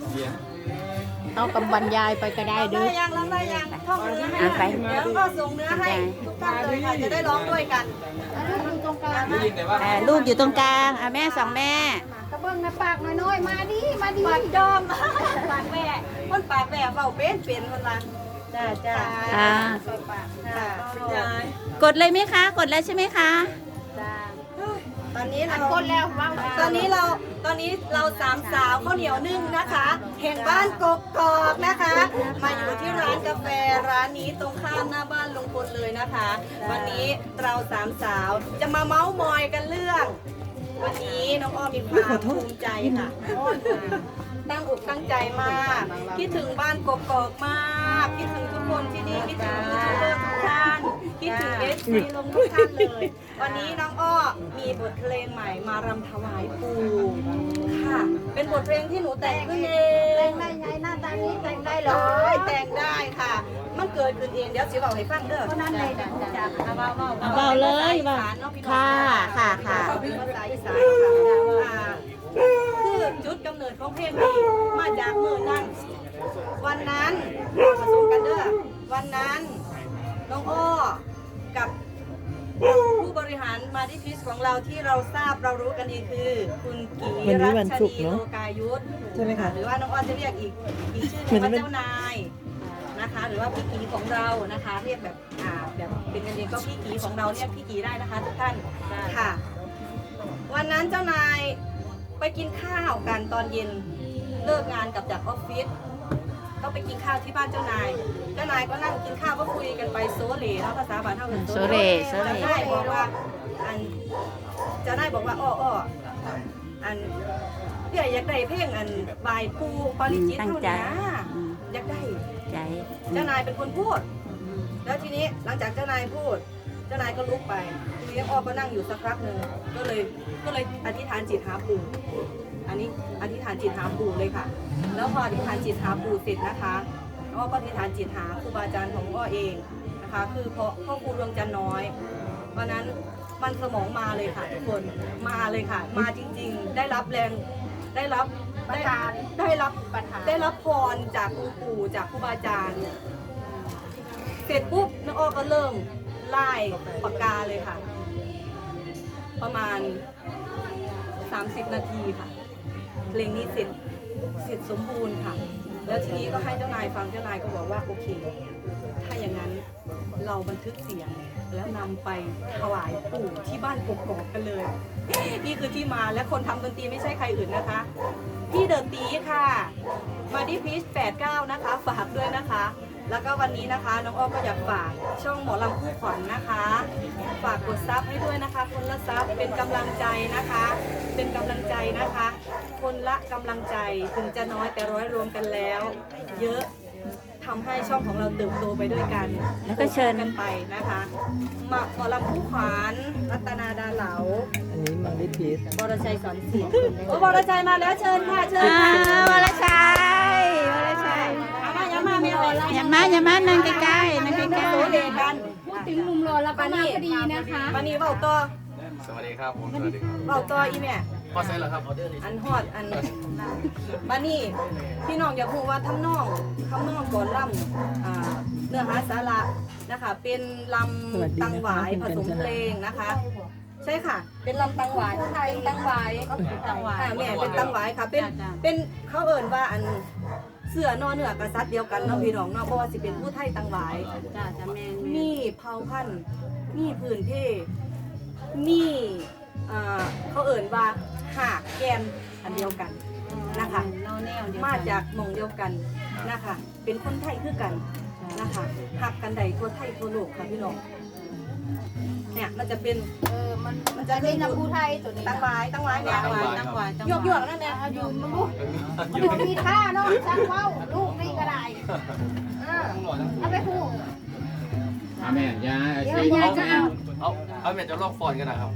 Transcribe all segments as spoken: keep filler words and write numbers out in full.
เอากำบรรยายไปก็ได้ด้ได้วยยังร้องได้ยังท่องเนื้อให้อ่ะไปเดี๋ยวก็ส่งเนื้อให้ทุกท่านเลยค่ะจะได้ร้องด้วยกันอ่าลูกอยู่ตรงกลางอ่ะแม่สองแม่กระเบื้องนะปากน้อยๆมาดิมาดิปากจอมปากแหว่คนปากแหว่เบาเป็นเป็นคนละจ้าจ้าอ่าปากค่ะจ้ากดเลยไหมคะ กดแล้วใช่ไหมคะจ้าตอนนี้เราคนแล้วว่างตอนนี้เราตอนนี้เราสามสาวข้าวเหนียวนึ่งนะคะแห่งบ้านกกกอกนะคะ มาอยู่ที่ร้านกาแฟร้านนี้ตรงข้ามหน้าบ้านลุงพลเลยนะคะ วันนี้เราสามสาวจะมาเมาส์มอยกันเรื่อง วันนี้น้องอ้อมีความภูมิใจค่ะตั้งอกตั้งใจมากคิดถึงบ้านกกอกมากคิดถึงทุกคนที่นี่คิดถึงยูทูบเบอร์ทุกท่านคิดถึงเอสซีลงทุกท่านเลย วันนี้น้องอ้อมีบทเพลงใหม่มารำถวายปู่ค่ะ เป็นบทเพลงที่หนูแต่งขึ้นเองแต่งได้ไงหน้าตานี้แต่งได้เหรได้อแต่งได้ค่ะ มันเกิดขึ้นเองเดี๋ยวสิบอกให้ฟังเด้อเพราะนั้นเลยนะจ๊ะเบาเบาเบาเลยเบาค่ะค่ะค่ะเป็นภาษาอีสานค่ะอ่าคือจุดกำเนิดของเพลงนี้มาจากเมื่อนั้นวันนั้นผสมกันเด้อวันนั้นน้องอ้อกับผู้บริหารมาที่พิสของเราที่เราทราบเรารู้กันดีคือ คุณกีรัชนีโลกายุทธใช่ไหมคะหรือว่าน้องอ้อจะเรียกอีกอีกชื่อหนึงว่าเจ้านายนะคะ หรือว่าพี่กีของเรานะคะ เรียกแบบอ่าแบบเป็นกันเองก็พี่กีของเราเรียกพี่กีได้นะคะทุกท่านค่ะ วันนั้นเจ้านายไปกินข้าวกันตอนเย็นเลิกงานกลับจากออฟฟิศก็ไปกินข้าวที่บ้านเจ้านาย เจ้านายก็นั่งกินข้าวก็คุยกันไปโซเลเนาะภาษาบ้านเท่ากันโซเลโซเลเจ้านายบอกว่าอันเจ้านายบอกว่าอ้ออ้ออันเดี๋ยวอยากได้เพลงอันบายปูปาริจิตตั้งเท่าใจนี้นะอืมอยากได้ใจเจ้านายเป็นคนพูด แล้วทีนี้หลังจากเจ้านายพูด เจ้านายก็ลุกไป ทีนี้อ้อก็นั่งอยู่สักพักหนึ่งก็เลยก็เลยอธิษฐานจิตหาปู่อันนี้อธิษฐานจิตหาปู่เลยค่ะ แล้วพออธิษฐานจิตหาปู่เสร็จนะคะอ้อก็อธิษฐานจิตหาครูบาอาจารย์ของอ้อเองนะคะ คือเพราะพ่อครูดวงจันทร์น้อยวันนั้นมันสมองมาเลยค่ะทุกคนมาเลยค่ะ มาจริงๆ ได้รับแรงได้รับได้ได้รับได้รับพรจากคุณปู่จากครูบาอาจารย์ เสร็จปุ๊บน้องอ้อก็เริ่มไล่ปากกาเลยค่ะ ประมาณสามสิบนาทีค่ะ เพลงนี้เสร็จเสร็จสมบูรณ์ค่ะ แล้วทีนี้ก็ให้เจ้านายฟังเจ้านายก็บอกว่าโอเค ถ้าอย่างนั้นเราบันทึกเสียงแล้วนำไปถวายปู่ที่บ้านกกอกกันเลย นี่คือที่มาและคนทำดนตรีไม่ใช่ใครอื่นนะคะ พี่เดินตีค่ะ มาดิพีชแปดเก้านะคะ ฝากด้วยนะคะ แล้วก็วันนี้นะคะน้องอ้อก็อยากฝากช่องหมอลำคู่ขวัญนะคะ ฝากกดซับให้ด้วยนะคะ คนละซับเป็นกำลังใจนะคะ เป็นกำลังใจนะคะ คนละกำลังใจถึงจะน้อยแต่ร้อยรวมกันแล้ว เยอะทำให้ช่องของเราเติบโตไปด้วยกันแล้วก็เชิญกันไปนะคะมาหมอลำคู่ขวัญรัตนาดาเหลาอันนี้มาดิพีสบรชัยสอนศิลป์โอ้บรชัยมาแล้วเชิญค่ะเชิญอ่าค่ะวรชัยวรชัยเอามาอย่ามาไม่รอแล้วอย่ามาอย่ามานั่งใกล้ๆนั่งใกล้โซเลกันพูดถึงมุมรอแล้วก็มาพอดีนะคะวันนี้เบาต่อสวัสดีครับผมสวัสดีครับเบาต่ออีแม่พอเสร็จแล้วครับออเดอร์นี้อันฮอดอันบันนี่พี่น้องอยากรู้ว่าทำนองทำนองก่อนล่ำอ่าเนื้อหาสาระนะคะ เป็นลำตังหวายผสมเพลงนะคะ ใช่ค่ะ เป็นลำตังหวายเป็นตังหวายตังหวายค่ะแม่เป็นตังหวายค่ะ เป็นเป็นเขาเอ่นว่าอันเสือนอเหนือกษัตริย์เดียวกันเนาะพี่น้องเนาะเพราะว่าสิเป็นผู้ไทยตังหวายจ้าจ้าแม่มีเผ่าพันธุ์มีพื้นเพมีอ่าเขาเอ่นว่าหากแกนอันเดียวกันนะคะเราแนวเดียวมาจากหมองเดียวกันนะคะ เป็นคนไทยคือกันนะคะหักกันใดทั่วไทยทั่วโลกค่ะพี่น้องเนี่ยมันจะเป็นเออมันมันจะเป็นน้ำผู้ไทยตัวนี้ตังหวายตังหวายเนี่ยตังหวายตังหวายหยวกหยวกนั่นแหละอยู่มันลูกมันบ่มีท่าเนาะช่างเว้าลูกนี่ก็ได้เออเอาไปพูดอาแม่ยาเดี๋ยวสิยายจะเอาเอาเอาแม่จะลอกฟอนกันนะครับ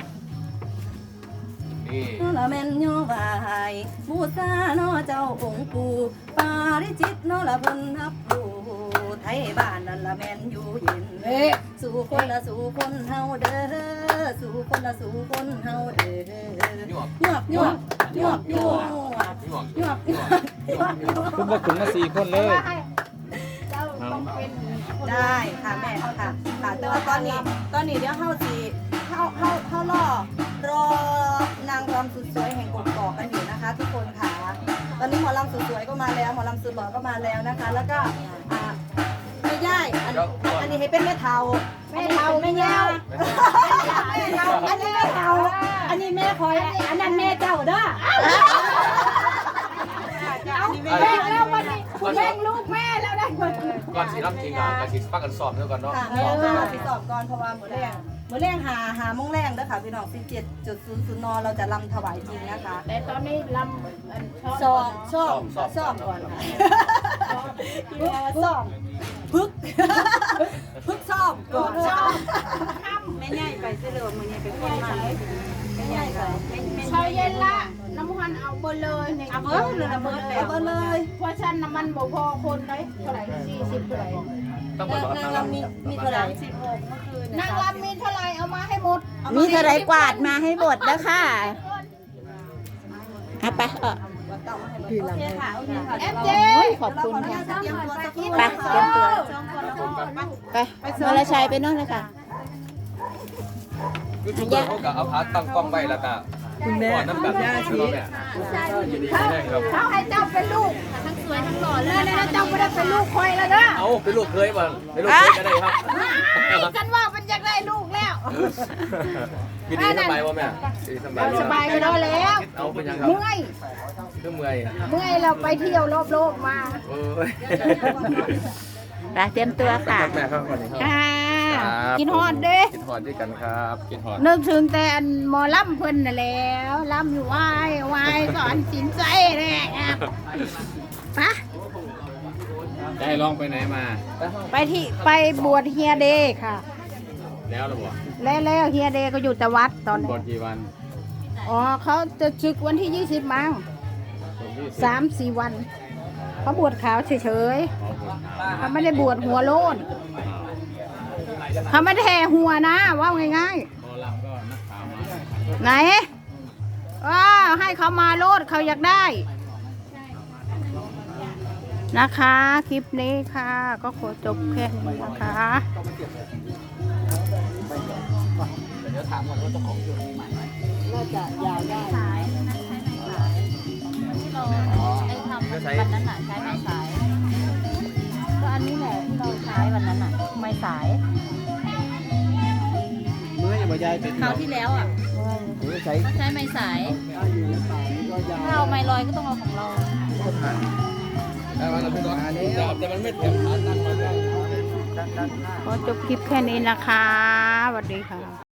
นี่ละแม่นโยบายบูชาเนาะเจ้าองค์ปู่ปาริจิตเนาะละเพิ่นรับรู้ไทยบ้านนั่นละแม่นอยู่เย็นเอ๊ะสู่คนละสู่คนเฮาเด้อสู่คนละสู่คนเฮาเด้อหยวกหยวกหยวกหยวกหยวกหยวกหยวกหยวกคุณมาถึงมาสี่คนเลยเจ้าต้องเป็นคนได้ค่ะแม่ค่ะค่ะแต่ว่าตอนนี้ตอนนี้เดี๋ยวเฮาสิเฮาเฮาเฮารอรอนางรำสุดสวยแห่งกบกอกกันอยู่นะคะ ทุกคนค่ะตอนนี้หมอลำสุดสวยก็มาแล้วหมอลำสุดหล่อก็มาแล้วนะคะ แล้วก็อ่าไม่ย่ายอันอันนี้ให้เป็นแม่เทาแม่เฒ่าแม่ยาวแม่เทาอันนี้แม่เทาอันนี้แม่คอยอันนั้นแม่เจ้าเด้อเอาแบ่งแล้ววันนี้คุณแบ่งลูกแม่แล้วได้คนก่อนสีรับจริงอ่ะก่อนสีฟักกันสอบด้วยก่อนเนาะค่ะเมื่อเราไปสอบก่อนเพราะว่ามื้อแรงมื้อแรงหาหาโมงแรงเด้อค่ะพี่น้องสิบเจ็ดจุดศูนย์ศูนย์นเราจะรำถวายจริงนะคะแต่ตอนนี้ลำอันชอบสอบสอบสอบก่อนค่ะสอบพึกพึกสอบก่อนสอบแม่ใหญ่ไปเสื้อเหลืองมือใหญ่ไปคนมาแม่ใหญ่ไปแม่แม่เชาเย็นละน้ำมันเอาเบอร์เลยเนี่ยเอาเบิร์ดเลยนะเบิร์ดแล้วเอาเลยเพราะฉันน้ำมันบ่พอคนเลยเท่าไหร่สี่สิบเท่าไหร่ต้องไปนางนางรำมีมีเท่าไหร่สิบหกนางรำมีเท่าไหร่เอามาให้หมดมีเท่าไรกวาดมาให้บดแล้วค่ะเอาไปเออพี่ลำให้เอฟเจโอ้ยขอบคุณค่ะเตรียมตัวสักครู่ไปเตรียมตัวไปวรชัยไปโน่นเลยค่ะยูทูบเบอร์เขากับเอาพาตั้งกล้องไว้แล้วก็คุณแม่ก่อนน้ำกันย่าใช่ชีไหมยินดีแน่ครับเขาให้เจ้าเป็นลูกทั้งสวยทั้งหล่อเลยนะเจ้าไม่ได้เป็นลูกคอยแล้วนะเอาเป็นลูกเคยบ้างเป็นลูกเคยก็ได้ครับกันว่ามันอยากได้ลูกแล้วยินดีสบายป่ะแม่สบายสบายก็ได้แล้วเอาเป็นยังครับเมื่อยเครื่องเมื่อยเมื่อยเราไปเที่ยวรอบโลกมาโอ้ยไปเตรียมตัวค่ะแม่ครับวันนี้ครับค่ะกินฮอดเด้กินหอดด้วยกันครับกินหอดนึกถึงแต่อันหมอลำเพิ่นน่ะแล้วลำอยู่ไหว้ไหว้สอนสินใจแน่ครับปะได้ลองไปไหนมาไปที่ไปบวชเฮียเดย์ค่ะแล้วหรือเปล่าแล้วแล้วเฮียเดย์ก็อยู่แต่วัดตอนบนี้อลกี่วันอ๋อเขาจะศึกวันที่ยี่สิบมั้งสามสี่วันเขาบวชขาวเฉยๆเขาไม่ได้บวชหัวโลนเขาไม่ได้แห่หัวนะว่าง่ายพอลำก็นักข่าวมาๆไหนว้าให้เขามาโลดเขาอยากได้ นะคะ คลิปนี้ค่ะ ก็ขอจบแค่นี้นะคะเดี๋ยวถามก่อนว่าเจ้าของอยู่น่าจะยาวได้สายนั้นใช้ไม้สายที่เราได้ทำวันนั้นน่ะใช้ไม้สายก็อันนี้แหละที่เราใช้วันนั้นน่ะไม้สายเมื่อยังไม่ย้ายเป็นคราวที่แล้วอ่ะหรือใช้ก็ใช้ไม้สายถ้าเอาไม้ลอยก็ต้องเอาของเราได้มาแล้วพี่น้องแต่มันไม่เต็มขาตั้งมาได้ขอจบคลิปแค่นี้นะคะสวัสดีค่ะ